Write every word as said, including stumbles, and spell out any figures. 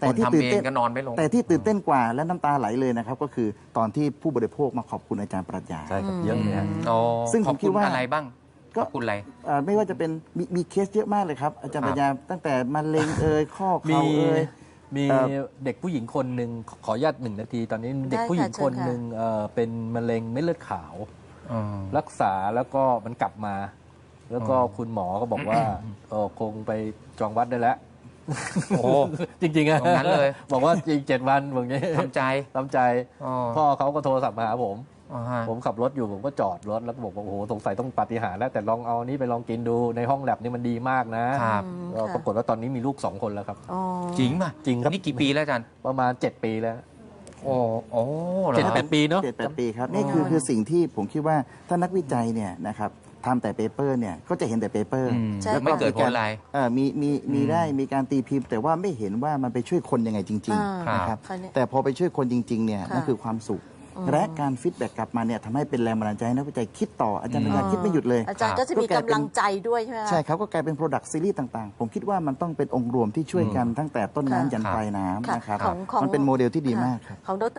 แต่ที่ตื่นเต้นก็นอนไม่ลงแต่ที่ตื่นเต้นกว่าและน้ำตาไหลเลยนะครับก็คือตอนที่ผู้บริโภคมาขอบคุณอาจารย์ปรัชญาใช่ครับเยอะเลยฮะซึ่งผมคิดว่าอะไรบ้างก็ขอบคุณอะไรไม่ว่าจะเป็นมีเคสเยอะมากเลยครับอาจารย์ปรัชญาตั้งแต่มะเร็งเอ่ยข้อเข่าเอ่ยมีเด็กผู้หญิงคนหนึ่งขออนุญาตหนึ่งนาทีตอนนี้เด็กผู้หญิงคนหนึ่งเป็นมะเร็งเม็ดเลือดขาวรักษาแล้วก็มันกลับมา แล้วก็คุณหมอก็บอกว่าคงไปจองวัดได้แล้วโอ้จริงๆอะงั้นเลยบอกว่าอีกเจ็ดวันแบบนี้ทำใจทำใจพ่อเขาก็โทรศัพท์มาหาผมผมขับรถอยู่ผมก็จอดรถแล้วก็บอกว่าโอ้โหสงสัยต้องปาฏิหาริย์แล้วแต่ลองเอานี้ไปลองกินดูในห้องแลบนี่มันดีมากนะปรากฏว่าตอนนี้มีลูกสองคนแล้วครับจริงป่ะจริงครับนี่กี่ปีแล้วอาจารย์ประมาณเจ็ดปีแล้วโอ้โอ้เจ็ดแปดปีเนาะเจ็ดแปดปีครับนี่คือคือสิ่งที่ผมคิดว่าถ้านักวิจัยเนี่ยนะครับทำแต่เปเปอร์เนี่ยก็จะเห็นแต่เปเปอร์แล้วไม่เกิดผลอะไรมีมีมีได้มีการตีพิมพ์แต่ว่าไม่เห็นว่ามันไปช่วยคนยังไงจริงๆนะครับแต่พอไปช่วยคนจริงๆเนี่ยนั่นคือความสุขและการฟีดแบ็กกลับมาเนี่ยทำให้เป็นแรงบันดาลใจให้นักวิจัยคิดต่ออาจารย์ปัญญาคิดไม่หยุดเลยอาจารย์ก็จะมีกำลังใจด้วยใช่ไหมใช่ครับก็กลายเป็น Product Series ต่างๆผมคิดว่ามันต้องเป็นองค์รวมที่ช่วยกันตั้งแต่ต้นน้ำยันปลายน้ำนะครับมันเป็นโมเดลที่ดีมากครับของดร